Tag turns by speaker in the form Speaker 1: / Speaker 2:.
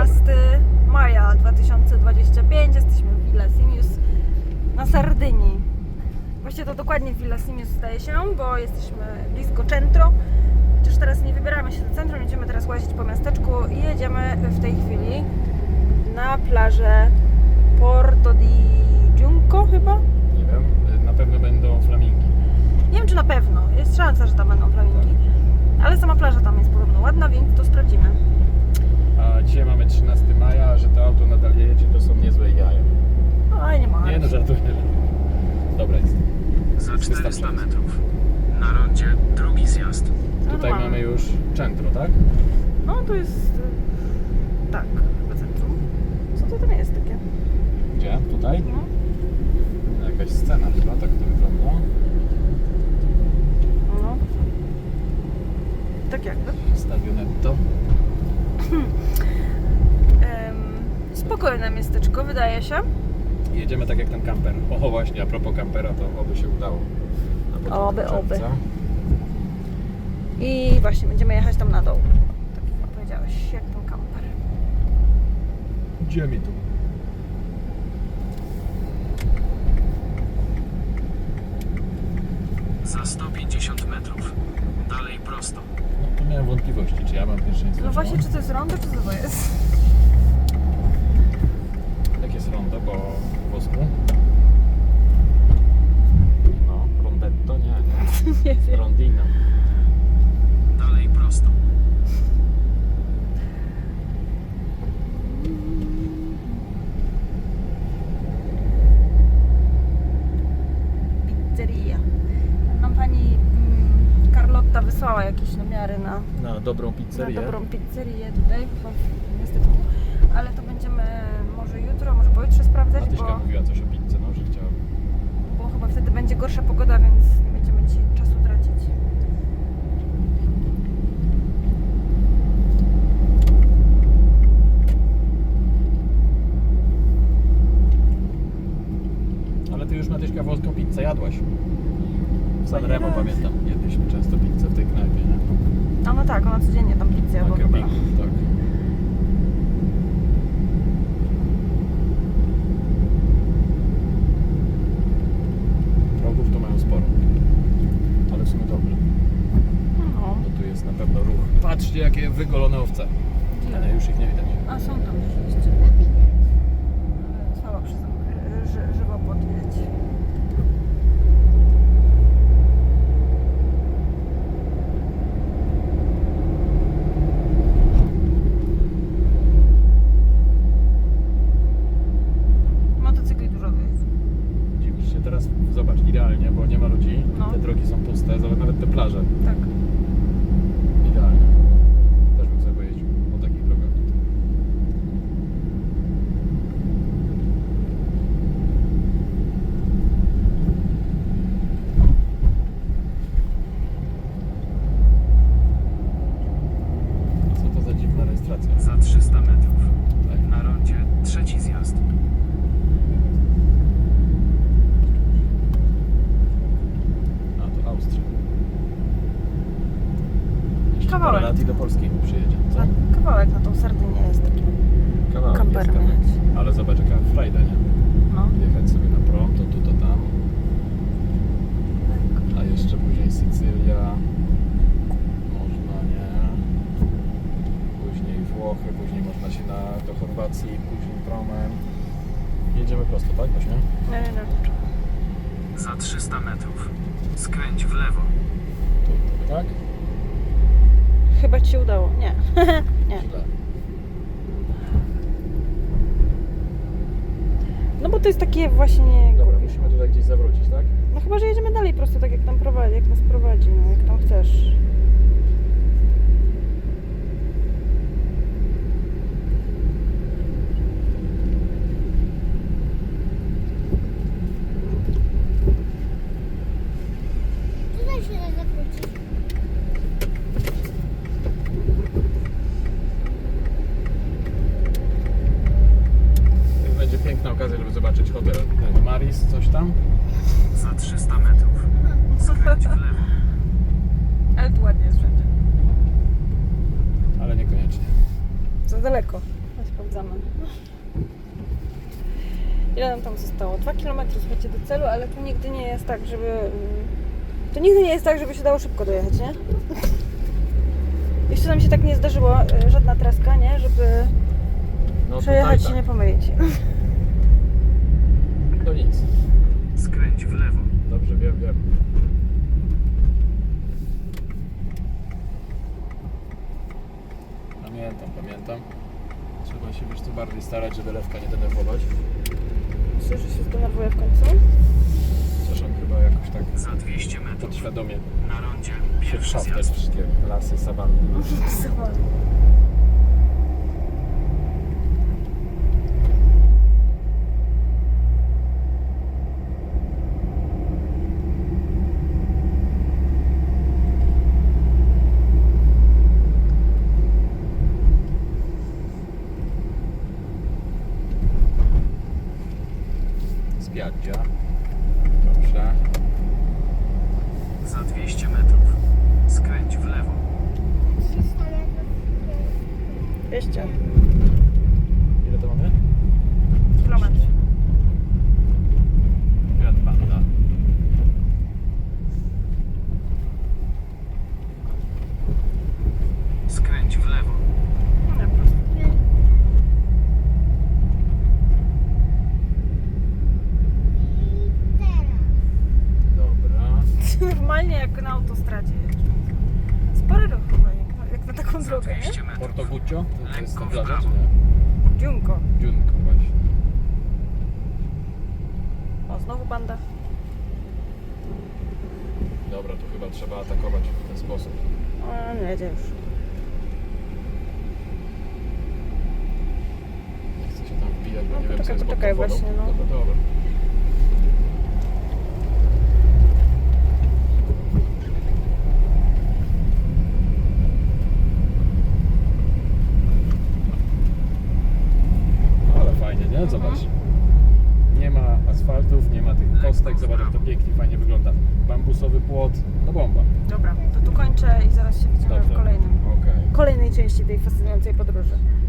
Speaker 1: 13 maja 2025. Jesteśmy w Villa Simius na Sardynii. Właściwie to dokładnie w Villa Simius zdaje się, bo jesteśmy blisko centro. Chociaż teraz nie wybieramy się do centrum, będziemy teraz łazić po miasteczku i jedziemy w tej chwili na plażę Porto di Giunco chyba?
Speaker 2: Nie wiem, na pewno będą flamingi.
Speaker 1: Nie wiem czy na pewno, jest szansa, że tam będą flamingi. Ale sama plaża tam jest podobno ładna, więc to sprawdzimy.
Speaker 2: A dzisiaj mamy 13 maja, a że to auto nadal jedzie, to są niezłe jaja.
Speaker 1: Oj, nie ma.
Speaker 2: Nie no, żartuję. Dobra jest.
Speaker 3: Za 400 metrów. Na rondzie drugi zjazd.
Speaker 2: Tutaj mamy już centro, tak?
Speaker 1: No to jest... tak, chyba centrum. Co to tam jest takie?
Speaker 2: Gdzie? Tutaj?
Speaker 1: No.
Speaker 2: Jakaś scena chyba, tak to wygląda.
Speaker 1: No. Tak jakby.
Speaker 2: Stadionetto.
Speaker 1: Spokojne miasteczko, wydaje się.
Speaker 2: Jedziemy tak jak ten kamper. O właśnie, a propos kampera, to oby się udało. Na początku
Speaker 1: Oby.
Speaker 2: czerwca.
Speaker 1: I właśnie będziemy jechać tam na dół. Tak jak powiedziałeś, jak ten kamper.
Speaker 2: Gdzie mi tu?
Speaker 3: Za 150 metrów. Dalej prosto.
Speaker 2: No tu miałem wątpliwości, czy ja mam pierwszeństwo.
Speaker 1: No
Speaker 2: czy
Speaker 1: właśnie,
Speaker 2: on.
Speaker 1: czy to jest rondo, czy co to jest?
Speaker 2: Jak jest rondo, bo w włosku? No, rondetto? Nie.
Speaker 1: Nie wiem.
Speaker 2: Rondino.
Speaker 3: Dalej prosto.
Speaker 1: Pizzeria. Nam pani Carlotta wysłała jakieś namiary
Speaker 2: Na dobrą
Speaker 1: na
Speaker 2: pizzerię.
Speaker 1: dobrą pizzerię tutaj w miasteczku. Ale to będziemy może jutro, może pojutrze sprawdzać,
Speaker 2: Matyśka mówiła coś o pizzy, no, że chciała.
Speaker 1: bo chyba wtedy będzie gorsza pogoda, więc nie będziemy dzisiaj czasu tracić.
Speaker 2: Ale ty już Matyśka włoską pizzę jadłaś. W Sanremo
Speaker 1: raz.
Speaker 2: pamiętam, jedliśmy często pizzę w tej knajpie, nie?
Speaker 1: A no tak, ona codziennie tam pizzę jadła
Speaker 2: Na
Speaker 1: chyba.
Speaker 2: kempingu, tak. Progów to mają sporo. Ale w sumie dobrze.
Speaker 1: No.
Speaker 2: Bo tu jest na pewno ruch. Patrzcie, jakie wygolone owce. A nie, już ich nie widać.
Speaker 1: A są tam rzeczywiście. Ale słabo żywopłot widać. Motocykli dużo jest.
Speaker 2: Dziwisz się teraz, zobacz, idealnie, bo nie ma ludzi.
Speaker 1: No.
Speaker 2: Te drogi są puste, zobacz, nawet te plaże.
Speaker 1: Tak.
Speaker 2: Idealnie. Też bym sobie pojeździł po takich drogach tutaj. Co to za dziwna rejestracja?
Speaker 3: Za 300 metrów.
Speaker 2: Tutaj.
Speaker 3: Na rondzie trzeci zjazd.
Speaker 2: A, to Austria. Jeszcze
Speaker 1: Kawałek.
Speaker 2: parę lat i do Polski przyjedzie, co?
Speaker 1: Kawałek na tą Sardynię jest taki.
Speaker 2: Kawałek
Speaker 1: Kamperem
Speaker 2: jest kawałek.
Speaker 1: jechać.
Speaker 2: Ale zobacz, jaka frajda, nie?
Speaker 1: No.
Speaker 2: Jechać sobie na prom, to tu, to tam. A jeszcze później Sycylia. Można, nie? Później Włochy, później można się do Chorwacji, później promem. Jedziemy prosto, tak właśnie?
Speaker 1: Nie.
Speaker 3: Za 300 metrów. Skręć w lewo.
Speaker 2: Tu, tak?
Speaker 1: Chyba ci się udało. Nie. Nie.
Speaker 2: Źle.
Speaker 1: No bo to jest takie właśnie...
Speaker 2: Dobra, musimy tutaj gdzieś zawrócić, tak?
Speaker 1: No chyba, że jedziemy dalej prosto, tak jak tam prowadzi, jak nas prowadzi, no jak tam chcesz.
Speaker 4: Tutaj się da zakrócić.
Speaker 2: Będzie piękna okazja, żeby zobaczyć hotel Maris, coś tam.
Speaker 3: Za 300 metrów. Skręć w lewo.
Speaker 1: Ale tu ładnie jest wszędzie.
Speaker 2: Ale niekoniecznie.
Speaker 1: Za daleko. Weź sprawdzamy. Ile nam tam zostało? 2 km, słuchajcie, do celu, ale to nigdy nie jest tak, żeby... To nigdy nie jest tak, żeby się dało szybko dojechać, nie? Jeszcze nam się tak nie zdarzyło, żadna traska, nie? Żeby
Speaker 2: No
Speaker 1: przejechać
Speaker 2: tutaj
Speaker 1: się nie pomylić.
Speaker 2: To nic.
Speaker 3: Skręć w lewo.
Speaker 2: Dobrze, wiem. Pamiętam. Trzeba się wiesz co bardziej starać, żeby lewka nie denerwować.
Speaker 1: Myślę, że się zdenerwuję w końcu.
Speaker 2: Zresztą chyba jakoś tak
Speaker 3: Za 200 metrów.
Speaker 2: podświadomie
Speaker 3: Na rondzie
Speaker 2: się
Speaker 3: pierwszy
Speaker 2: wszaw te
Speaker 3: zjazd.
Speaker 2: wszystkie lasy, sawanny. Spiaggia. Dobrze.
Speaker 3: Za 200 metrów. Skręć w lewo.
Speaker 4: 300 metrów.
Speaker 1: 200
Speaker 2: Ile to mamy?
Speaker 1: kilometrów.
Speaker 2: Fiat Panda.
Speaker 3: Skręć w lewo.
Speaker 1: Nie, po prostu.
Speaker 4: I teraz.
Speaker 2: Dobra.
Speaker 1: Normalnie jak na autostradzie jeżdżą. Spory ruch chyba, jak na taką
Speaker 3: Za
Speaker 1: drogę,
Speaker 3: 200
Speaker 1: nie?
Speaker 3: metrów.
Speaker 2: Porto Guccio? To jest
Speaker 3: Lekko
Speaker 2: ten
Speaker 3: w
Speaker 2: plaża, czy
Speaker 3: prawo.
Speaker 2: nie?
Speaker 1: Dziunko.
Speaker 2: Dziunko właśnie.
Speaker 1: O, znowu banda.
Speaker 2: Dobra, to chyba trzeba atakować w ten sposób.
Speaker 1: O, nie jedzie już.
Speaker 2: Nie chcę się tam wbijać, bo
Speaker 1: No,
Speaker 2: nie wiem, co jest pod
Speaker 1: poczekaj,
Speaker 2: tą wodą.
Speaker 1: właśnie, no.
Speaker 2: Dobra. Ale fajnie, nie? Zobacz. Nie ma asfaltów, nie ma tych kostek. Zobacz, jak to pięknie, fajnie wygląda. Bambusowy płot, no bomba.
Speaker 1: Dobra, to tu kończę i zaraz się widzimy w
Speaker 2: Dobrze.
Speaker 1: kolejnym.
Speaker 2: Okej.
Speaker 1: Kolejnej części tej fascynującej podróży.